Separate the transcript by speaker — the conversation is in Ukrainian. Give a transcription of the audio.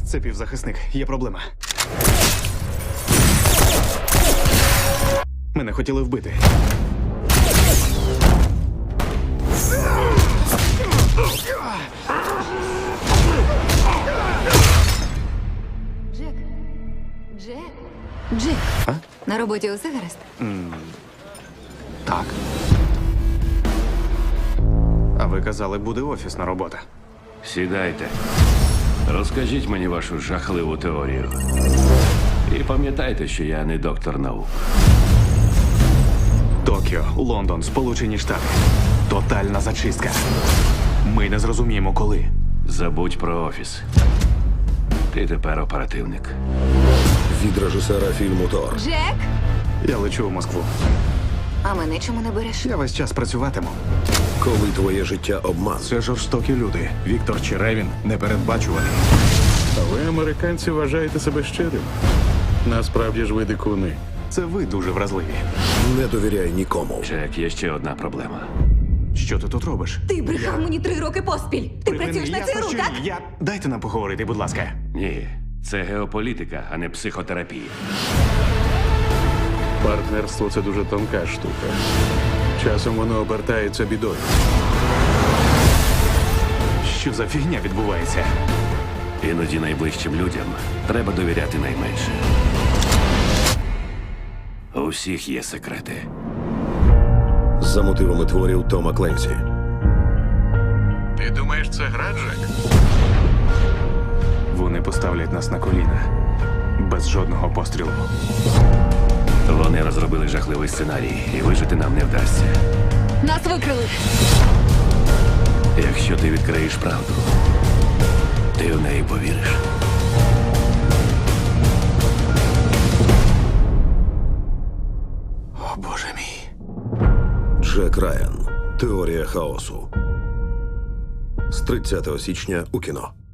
Speaker 1: Це півзахисник. Є проблема. Мене хотіли вбити.
Speaker 2: Джек. Джек. Джек.
Speaker 1: А?
Speaker 2: На роботі усе гаразд?
Speaker 1: Так. А ви казали, буде офісна робота.
Speaker 3: Сідайте. Розкажіть мені вашу жахливу теорію. І пам'ятайте, що я не доктор наук.
Speaker 1: Токіо, Лондон, Сполучені Штати. Тотальна зачистка. Ми не зрозуміємо, коли.
Speaker 3: Забудь про офіс. Ти тепер оперативник.
Speaker 4: Від режисера фільму Тор.
Speaker 2: Джек!
Speaker 1: Я лечу в Москву.
Speaker 2: А мене чому не береш?
Speaker 1: Я весь час працюватиму.
Speaker 4: Коли твоє життя обман.
Speaker 1: Це жорстокі люди. Віктор Черевін непередбачуваний.
Speaker 5: А ви, американці, вважаєте себе щирим? Насправді ж ви дикуни.
Speaker 1: Це ви дуже вразливі.
Speaker 4: Не довіряй нікому.
Speaker 3: Джек, є ще одна проблема.
Speaker 1: Що ти тут робиш?
Speaker 2: Ти брехав мені 3 роки поспіль. Ти працюєш на ЦРУ, так?
Speaker 1: Я... Дайте нам поговорити, будь ласка.
Speaker 3: Ні, це геополітика, а не психотерапія.
Speaker 5: Партнерство це дуже тонка штука. Часом воно обертається бідою.
Speaker 1: Що за фігня відбувається?
Speaker 3: Іноді найближчим людям треба довіряти найменше. У всіх є секрети.
Speaker 4: За мотивами творів Тома Кленсі.
Speaker 5: Ти думаєш, це гра, Джек?
Speaker 1: Вони поставлять нас на коліна. Без жодного пострілу.
Speaker 3: Вони розробили жахливий сценарій, і вижити нам не вдасться.
Speaker 2: Нас викрили.
Speaker 3: Якщо ти відкриєш правду, ти в неї повіриш.
Speaker 1: О, Боже мій.
Speaker 4: Джек Райан. Теорія хаосу. З 30 січня у кіно.